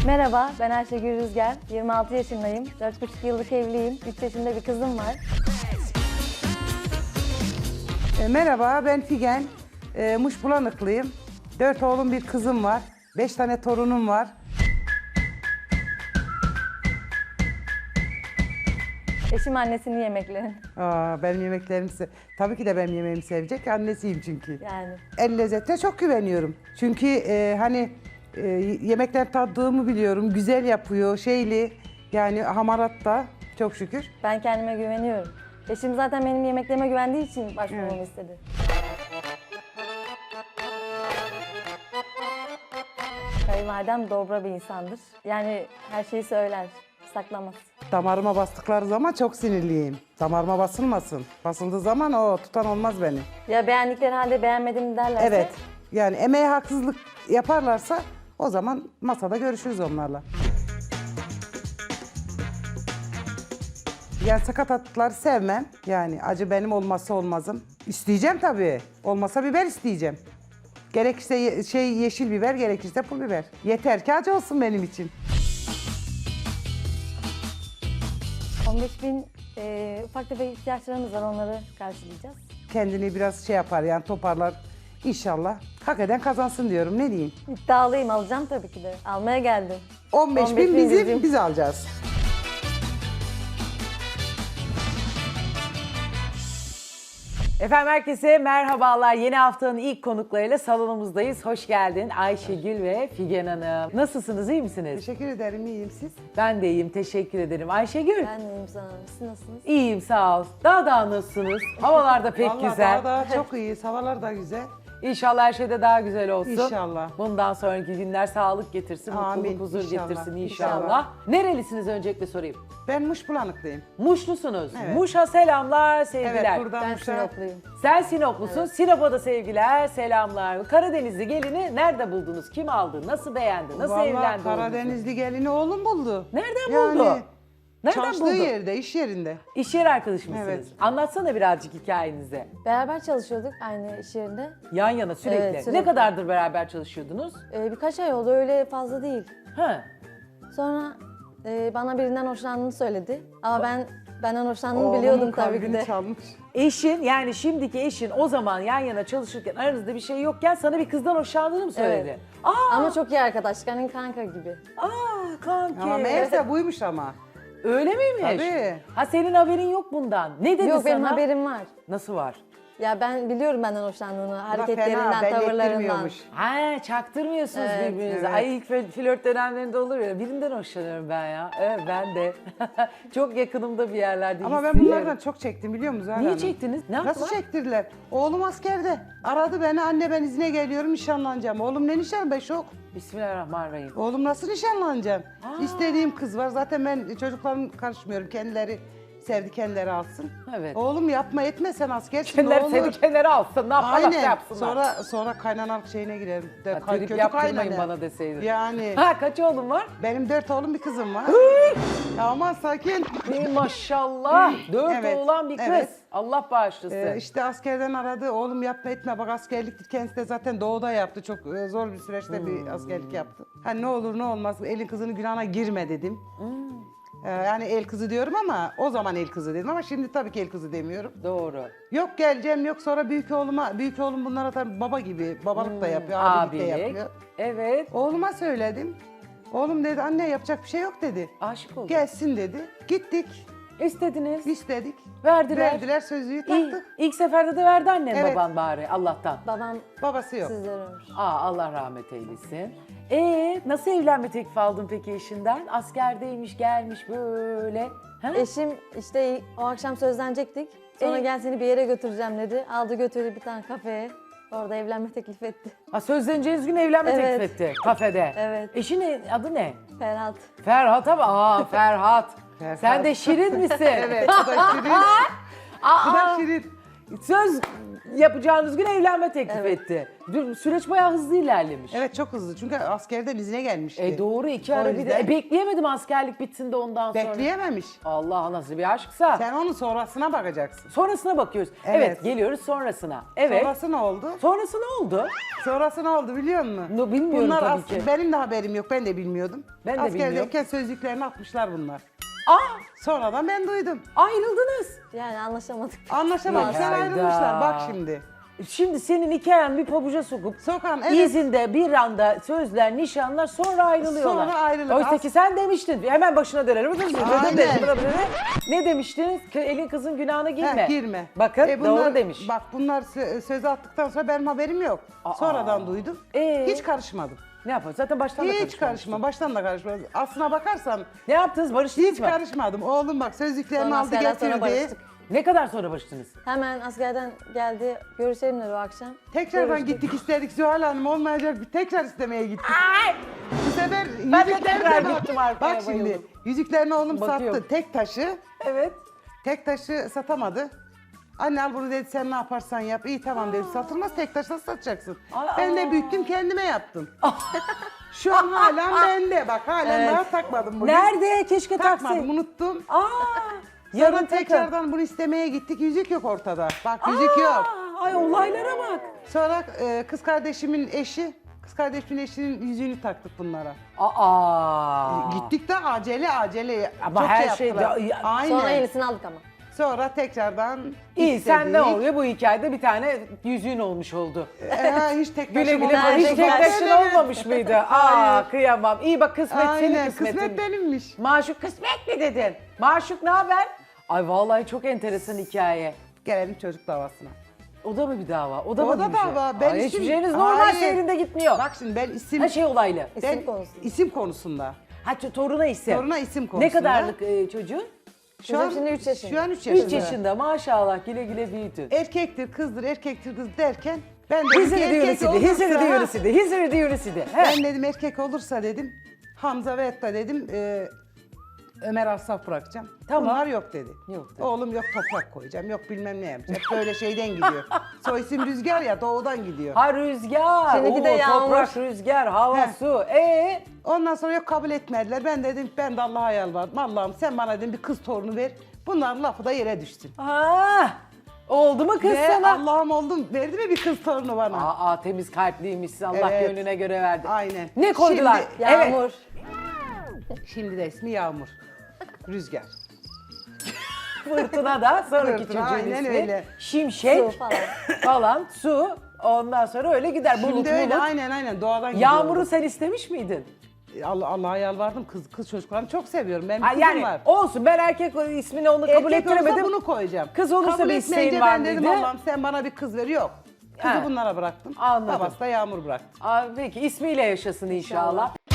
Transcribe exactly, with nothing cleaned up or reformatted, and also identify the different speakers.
Speaker 1: Merhaba, ben Ayşegül Rüzgar. yirmi altı yaşındayım. dört buçuk yıllık evliyim. üç yaşında bir kızım var.
Speaker 2: E, merhaba, ben Figen. E, Muşbulanıklıyım. Dört oğlum, bir kızım var. Beş tane torunum var.
Speaker 1: Eşim annesinin yemeklerini.
Speaker 2: Aa, benim yemeklerimi se- Tabii ki de benim yemeğimi sevecek. Annesiyim çünkü.
Speaker 1: Yani
Speaker 2: El lezzetine çok güveniyorum. Çünkü e, hani e, yemekler tattığımı biliyorum. Güzel yapıyor, şeyli. Yani hamarat da çok şükür.
Speaker 1: ben kendime güveniyorum. Eşim zaten benim yemeklerime güvendiği için başvurmamı
Speaker 2: Evet.
Speaker 1: istedi. Kayınvalidem dobra bir insandır. Yani her şeyi söyler, saklamaz.
Speaker 2: Damarıma bastıkları zaman çok sinirliyim. Damarıma basılmasın. Basıldığı zaman o tutan olmaz beni.
Speaker 1: Ya beğendikleri halde beğenmedim derlerse...
Speaker 2: Evet. Yani emeğe haksızlık yaparlarsa o zaman masada görüşürüz onlarla. Yani sakatatları sevmem. Yani acı benim olmazsa olmazım. İsteyeceğim tabii. Olmasa biber isteyeceğim. Gerekirse ye- şey yeşil biber, gerekirse pul biber. Yeter ki acı olsun benim için.
Speaker 1: on beş bin e, ufak tefek ihtiyaçlarımız var, onları karşılayacağız.
Speaker 2: Kendini biraz şey yapar yani toparlar. İnşallah. Hak eden kazansın diyorum. Ne diyeyim?
Speaker 1: İddialıyım, alacağım tabii ki de. Almaya geldim.
Speaker 2: on beş
Speaker 1: on beş
Speaker 2: bin
Speaker 1: bin
Speaker 2: bizim,
Speaker 1: bizim.
Speaker 2: biz alacağız.
Speaker 3: Efendim herkese merhabalar. Yeni haftanın ilk konuklarıyla salonumuzdayız. Hoş geldin Ayşegül ve Figen Hanım. Nasılsınız, iyi misiniz?
Speaker 2: Teşekkür ederim, iyiyim siz.
Speaker 3: Ben de iyiyim, teşekkür ederim. Ayşegül?
Speaker 1: Ben neyim sana? Siz nasılsınız?
Speaker 3: İyiyim, sağ ol. Daha da nasılsınız? Havalar da pek
Speaker 2: Vallahi
Speaker 3: güzel.
Speaker 2: daha da çok iyi, havalar da güzel.
Speaker 3: İnşallah her şey de daha güzel olsun.
Speaker 2: İnşallah.
Speaker 3: Bundan sonraki günler sağlık getirsin,
Speaker 2: Amin,
Speaker 3: mutluluk, huzur
Speaker 2: inşallah,
Speaker 3: getirsin inşallah.
Speaker 2: inşallah.
Speaker 3: Nerelisiniz öncelikle sorayım?
Speaker 2: Ben Muşbulanıklıyım.
Speaker 3: Muşlusunuz.
Speaker 2: Evet.
Speaker 3: Muş'a selamlar, sevgiler.
Speaker 2: Evet, buradan
Speaker 1: Ben
Speaker 2: Muş'a.
Speaker 1: Sinopluyum.
Speaker 3: Sen Sinoplusun. Sinop'a da sevgiler, selamlar. Karadenizli gelini nerede buldunuz? Kim aldı? Nasıl beğendi? Nasıl
Speaker 2: Vallahi
Speaker 3: evlendi?
Speaker 2: Karadenizli gelini oğlum buldu.
Speaker 3: Nereden
Speaker 2: yani,
Speaker 3: buldu? Nereden
Speaker 2: çalıştığı
Speaker 3: buldu?
Speaker 2: yerde, iş yerinde.
Speaker 3: İş yeri arkadaşı mısınız?
Speaker 2: Evet.
Speaker 3: Anlatsana birazcık hikayenizi.
Speaker 1: Beraber çalışıyorduk aynı iş yerinde.
Speaker 3: Yan yana sürekli.
Speaker 1: Evet, sürekli.
Speaker 3: Ne kadardır beraber çalışıyordunuz?
Speaker 1: Ee, birkaç ay oldu, öyle fazla değil.
Speaker 3: Ha.
Speaker 1: Sonra e, bana birinden hoşlandığını söyledi. Ama ben benden hoşlandığını
Speaker 2: Oğlumun
Speaker 1: biliyordum tabii ki
Speaker 2: kalbini
Speaker 1: de.
Speaker 2: çalmış.
Speaker 3: Eşin, yani şimdiki eşin o zaman yan yana çalışırken aranızda bir şey yokken sana bir kızdan hoşlandığını mı söyledi?
Speaker 1: Evet.
Speaker 3: Aa,
Speaker 1: Ama çok iyi arkadaşlık, hani kanka gibi.
Speaker 3: aa kanki.
Speaker 2: Ama meğerse buymuş ama.
Speaker 3: Öyle miymiş?
Speaker 2: Tabii.
Speaker 3: Ha senin haberin yok bundan. Ne dedi
Speaker 1: Yok,
Speaker 3: sana?
Speaker 1: benim haberim var.
Speaker 3: Nasıl var?
Speaker 1: Ya ben biliyorum benden hoşlandığını,
Speaker 2: Fena,
Speaker 1: hareketlerinden,
Speaker 2: belli
Speaker 1: tavırlarından.
Speaker 2: ettirmiyormuş.
Speaker 3: Ha çaktırmıyorsunuz
Speaker 1: Evet,
Speaker 3: birbirinize.
Speaker 2: evet.
Speaker 3: Ay ilk fl- flört dönemlerinde olur ya. Birinden hoşlanıyorum ben ya. Evet ben de. Çok yakınımda bir yerlerde
Speaker 2: Ama ben
Speaker 3: hissediyorum.
Speaker 2: bunlardan çok çektim biliyor musun Zahra
Speaker 3: Niye
Speaker 2: Hanım?
Speaker 3: çektiniz? Ne yaptılar?
Speaker 2: Nasıl çektirdiler? Oğlum askerde. Aradı beni, anne ben izne geliyorum, nişanlanacağım. Oğlum ne nişan be, şok.
Speaker 3: Bismillahirrahmanirrahim.
Speaker 2: Oğlum nasıl nişanlanacağım?
Speaker 3: Aa.
Speaker 2: İstediğim kız var. Zaten ben çocuklarım karışmıyorum. Kendileri sevdi, kendileri alsın.
Speaker 3: Evet.
Speaker 2: Oğlum yapma etme, sen askersin.
Speaker 3: Kendileri
Speaker 2: ne olur.
Speaker 3: seni kenara alsın. Ne yaparlarsa
Speaker 2: Aynen.
Speaker 3: yapsınlar.
Speaker 2: Sonra sonra kaynanalık şeyine girerim. De,
Speaker 3: Ha,
Speaker 2: kay-
Speaker 3: trip
Speaker 2: kötü
Speaker 3: yaptırmayın
Speaker 2: kaynana.
Speaker 3: bana deseydin.
Speaker 2: Yani
Speaker 3: Ha kaç oğlum var?
Speaker 2: benim dört oğlum bir kızım var. Aman sakin.
Speaker 3: Ey maşallah. Dört
Speaker 2: Evet,
Speaker 3: oğlan bir kız.
Speaker 2: evet.
Speaker 3: Allah bağışlasın.
Speaker 2: Ee, işte askerden aradı. Oğlum yapma etme. Bak askerliktir. Kendisi de zaten doğuda yaptı. Çok e, zor bir süreçte
Speaker 3: Hmm.
Speaker 2: bir askerlik yaptı. Ha ne olur ne olmaz. Elin kızının günahına girme dedim. Ee, yani el kızı diyorum ama o zaman el kızı dedim ama şimdi tabii ki el kızı demiyorum.
Speaker 3: Doğru.
Speaker 2: Yok geleceğim, yok sonra büyük oğluma, büyük oğlum bunlara tabii baba gibi, babalık da yapıyor, abilik de
Speaker 3: Hmm, Abilik.
Speaker 2: yapıyor.
Speaker 3: Evet.
Speaker 2: Oğluma söyledim. Oğlum dedi anne yapacak bir şey yok dedi.
Speaker 3: Aşık oldum.
Speaker 2: Gelsin dedi. Gittik,
Speaker 3: İstediniz.
Speaker 2: istedik.
Speaker 3: Verdiler.
Speaker 2: Verdiler sözlüğü
Speaker 3: İyi.
Speaker 2: taktık.
Speaker 3: İlk seferde de verdi annen
Speaker 2: Evet.
Speaker 3: baban bari Allah'tan.
Speaker 1: Babam
Speaker 2: Babası yok.
Speaker 1: sizlere ömür.
Speaker 3: Aa Allah rahmet eylesin. Ee nasıl evlenme teklifi aldın peki eşinden? Askerdeymiş gelmiş böyle. Ha?
Speaker 1: Eşim işte o akşam sözlenecektik. Sonra
Speaker 3: Ee?
Speaker 1: gel seni bir yere götüreceğim dedi. Aldı götürdü bir tane kafeye. Orada evlenme teklif etti.
Speaker 3: Ha, sözleneceğiniz gün evlenme
Speaker 1: Evet.
Speaker 3: teklif etti kafede.
Speaker 1: Evet.
Speaker 3: Eşinin adı ne?
Speaker 1: Ferhat.
Speaker 3: Ferhat ama aa Ferhat.
Speaker 2: Ferhat.
Speaker 3: Sen de Şirin misin?
Speaker 2: Evet, bu da şirin. bu da
Speaker 3: Aa,
Speaker 2: şirin.
Speaker 3: Söz yapacağınız gün evlenme teklif
Speaker 1: Evet.
Speaker 3: etti. Dün süreç bayağı hızlı ilerlemiş.
Speaker 2: Evet çok hızlı çünkü askerden izine gelmişti.
Speaker 3: E doğru iki
Speaker 2: O
Speaker 3: ara bir de.
Speaker 2: yüzden
Speaker 3: E, bekleyemedim askerlik bitsin de ondan sonra.
Speaker 2: Bekleyememiş.
Speaker 3: Allah nasıl bir aşksa.
Speaker 2: Sen onun sonrasına bakacaksın.
Speaker 3: Sonrasına bakıyoruz. Evet.
Speaker 2: Evet.
Speaker 3: geliyoruz sonrasına. Evet.
Speaker 2: Sonrası ne oldu?
Speaker 3: Sonrası ne oldu?
Speaker 2: Sonrası ne oldu biliyor musun?
Speaker 3: No, bilmiyorum
Speaker 2: bunlar
Speaker 3: tabii
Speaker 2: as-
Speaker 3: ki.
Speaker 2: Benim de haberim yok. Ben de bilmiyordum.
Speaker 3: Ben de
Speaker 2: Askerdeyken sözlüklerini atmışlar bunlar.
Speaker 3: Aa,
Speaker 2: Sonradan ben duydum.
Speaker 3: ayrıldınız.
Speaker 1: Yani anlaşamadık.
Speaker 2: Anlaşamamışlar,
Speaker 3: Hayda.
Speaker 2: ayrılmışlar. Bak şimdi.
Speaker 3: Şimdi senin hikayen bir pabuca sokup
Speaker 2: Sokan evet.
Speaker 3: izinde bir anda sözler, nişanlar sonra ayrılıyorlar.
Speaker 2: Sonra ayrılık.
Speaker 3: Oysa ki sen demiştin hemen başına dönelim.
Speaker 2: Aynen.
Speaker 3: Ne demiştiniz? K- Elin kızın günahına girme.
Speaker 2: Heh, girme.
Speaker 3: Bakın
Speaker 2: E, bunlar-
Speaker 3: doğru demiş.
Speaker 2: Bak bunlar sö- söz attıktan sonra benim haberim yok.
Speaker 3: Aa.
Speaker 2: Sonradan duydum.
Speaker 3: Ee?
Speaker 2: Hiç karışmadım.
Speaker 3: Ne yapalım? Zaten baştan da
Speaker 2: Hiç
Speaker 3: karışmamıştın.
Speaker 2: karışma. Baştan da karışmadım. Aslına bakarsan
Speaker 3: Ne yaptınız? Barıştınız
Speaker 2: hiç
Speaker 3: mı?
Speaker 2: karışmadım. Oğlum bak sözlüklerini
Speaker 1: Sonra
Speaker 2: aldı
Speaker 1: askerden sonra
Speaker 2: getirdi.
Speaker 1: barıştık.
Speaker 3: Ne kadar sonra barıştınız?
Speaker 1: Hemen askerden geldi. Görüşelim dedi o akşam.
Speaker 2: Tekrardan
Speaker 1: Görüştük.
Speaker 2: gittik istedik Zuhal Hanım olmayacak bir tekrar istemeye gittik. Bu sefer
Speaker 3: Ben de
Speaker 2: yüzüklerine
Speaker 3: tekrar
Speaker 2: bak.
Speaker 3: gittim arkaya,
Speaker 2: Bak şimdi
Speaker 3: bayıldım.
Speaker 2: yüzüklerini oğlum
Speaker 3: Bakıyorum.
Speaker 2: sattı. Tek taşı.
Speaker 3: Evet.
Speaker 2: Tek taşı satamadı. Anne al bunu dedi sen ne yaparsan yap. İyi tamam dedi satılmaz tek taşı nasıl satacaksın?
Speaker 3: Aa.
Speaker 2: Ben de büyüttüm kendime yaptım. Şu an hala bende bak halen
Speaker 3: Evet.
Speaker 2: daha takmadım bugün.
Speaker 3: Nerede? Keşke
Speaker 2: Takmadım
Speaker 3: taksaydın.
Speaker 2: unuttum.
Speaker 3: Aa!
Speaker 2: Sonra
Speaker 3: Yarın takın.
Speaker 2: tekrardan bunu istemeye gittik yüzük yok ortada. Bak yüzük
Speaker 3: Aa,
Speaker 2: yok.
Speaker 3: Ay olaylara bak.
Speaker 2: Sonra e, kız kardeşimin eşi, kız kardeşimin eşinin yüzüğünü taktık bunlara.
Speaker 3: Aa.
Speaker 2: Gittik de acele acele.
Speaker 3: Ama
Speaker 2: çok
Speaker 3: her şey
Speaker 2: yaptılar.
Speaker 3: de- ya-
Speaker 2: Aynen.
Speaker 1: Sonra yenisini aldık ama.
Speaker 2: Sonra tekrardan
Speaker 3: İyi sen ne
Speaker 2: istedik.
Speaker 3: oluyor bu hikayede bir tane yüzüğün olmuş oldu.
Speaker 2: Ee, hiç tek
Speaker 3: Güle
Speaker 2: taşım
Speaker 3: güle
Speaker 2: olmadı.
Speaker 3: hiç
Speaker 1: Nerede
Speaker 3: tek
Speaker 1: güzel.
Speaker 3: taşın olmamış mıydı? Aa
Speaker 2: Hayır.
Speaker 3: kıyamam. İyi bak kısmet senin
Speaker 2: Aynen
Speaker 3: kısmetin.
Speaker 2: kısmet benimmiş.
Speaker 3: Maşuk kısmet mi dedin? Maşuk ne haber? Ay vallahi çok enteresan hikaye.
Speaker 2: Gelelim çocuk davasına.
Speaker 3: O da mı bir dava? O da
Speaker 2: O
Speaker 3: mı
Speaker 2: da
Speaker 3: bir şey?
Speaker 2: dava. Ben
Speaker 3: Ay,
Speaker 2: isim-
Speaker 3: hiçbir şeyiniz normal
Speaker 2: Hayır.
Speaker 3: seyrinde gitmiyor.
Speaker 2: Bak şimdi ben isim...
Speaker 3: Her şey olaylı.
Speaker 2: ben,
Speaker 1: İsim konusunda.
Speaker 2: isim konusunda.
Speaker 3: Ha ç- toruna isim.
Speaker 2: Toruna isim
Speaker 3: Ne
Speaker 2: konusunda.
Speaker 3: kadarlık e, çocuğun?
Speaker 1: Kızım şimdi üç yaşında.
Speaker 2: Şu an üç yaşında.
Speaker 3: üç yaşında maşallah güle güle büyüdü.
Speaker 2: Erkektir, kızdır, erkektir, kız derken ben dedim ki
Speaker 3: Hizri
Speaker 2: erkek
Speaker 3: diyürüsüydü,
Speaker 2: olursa...
Speaker 3: hizri diyürüsüydü, hizri diyürüsüydü.
Speaker 2: Ben dedim erkek olursa dedim Hamza ve Etta dedim e, Ömer Asaf bırakacağım.
Speaker 3: Tamam.
Speaker 2: Bunlar yok dedi.
Speaker 3: Yok dedi.
Speaker 2: Oğlum yok toprak koyacağım, yok bilmem ne yapacağım. Hep böyle şeyden gidiyor. Soy isim Rüzgar ya doğudan gidiyor.
Speaker 3: Ha rüzgar,
Speaker 1: Şimdiki de
Speaker 3: oo,
Speaker 1: yağmur.
Speaker 3: toprak, rüzgar, hava,
Speaker 2: Heh.
Speaker 3: su. Ee,
Speaker 2: Ondan sonra yok kabul etmediler. Ben dedim ben de Allah'a yalvardım. Allah'ım sen bana dedim bir kız torunu ver. Bunların lafı da yere düşsün.
Speaker 3: ha, oldu mu kız
Speaker 2: Ve
Speaker 3: sana?
Speaker 2: Allah'ım oldum. Verdi mi bir kız torunu bana?
Speaker 3: Aa, temiz kalpliymişsin, Allah
Speaker 2: Evet.
Speaker 3: gönlüne göre verdi.
Speaker 2: Aynen.
Speaker 3: Ne koydular?
Speaker 2: Şimdi,
Speaker 3: Evet.
Speaker 1: Yağmur.
Speaker 2: şimdi de ismi Yağmur. Rüzgar.
Speaker 3: Fırtına da sonraki
Speaker 2: Fırtına,
Speaker 3: çocuğun
Speaker 2: aynen
Speaker 3: ismi.
Speaker 2: öyle.
Speaker 3: Şimşek
Speaker 1: Su falan.
Speaker 3: falan, su. Ondan sonra öyle gider. Bulut
Speaker 2: Şimdi öyle
Speaker 3: bulut.
Speaker 2: aynen aynen doğadan gidiyor.
Speaker 3: Yağmur'u sen istemiş miydin?
Speaker 2: Allah Allah'a yalvardım kız kız çocuklarını çok seviyorum. Benim
Speaker 3: Ha,
Speaker 2: kızım
Speaker 3: yani
Speaker 2: var.
Speaker 3: olsun ben erkek ismini onu kabul
Speaker 2: Erkek olursa
Speaker 3: ettiremedim.
Speaker 2: bunu koyacağım.
Speaker 3: Kız olursa
Speaker 2: Kabul
Speaker 3: bir
Speaker 2: etmeyince
Speaker 3: isteğin var
Speaker 2: ben dedim
Speaker 3: mıydı?
Speaker 2: Allah'ım sen bana bir kız ver. Yok. Kızı
Speaker 3: Ha.
Speaker 2: bunlara bıraktım.
Speaker 3: Anladım.
Speaker 2: Babası da Yağmur bıraktı.
Speaker 3: Aa, peki ismiyle yaşasın inşallah.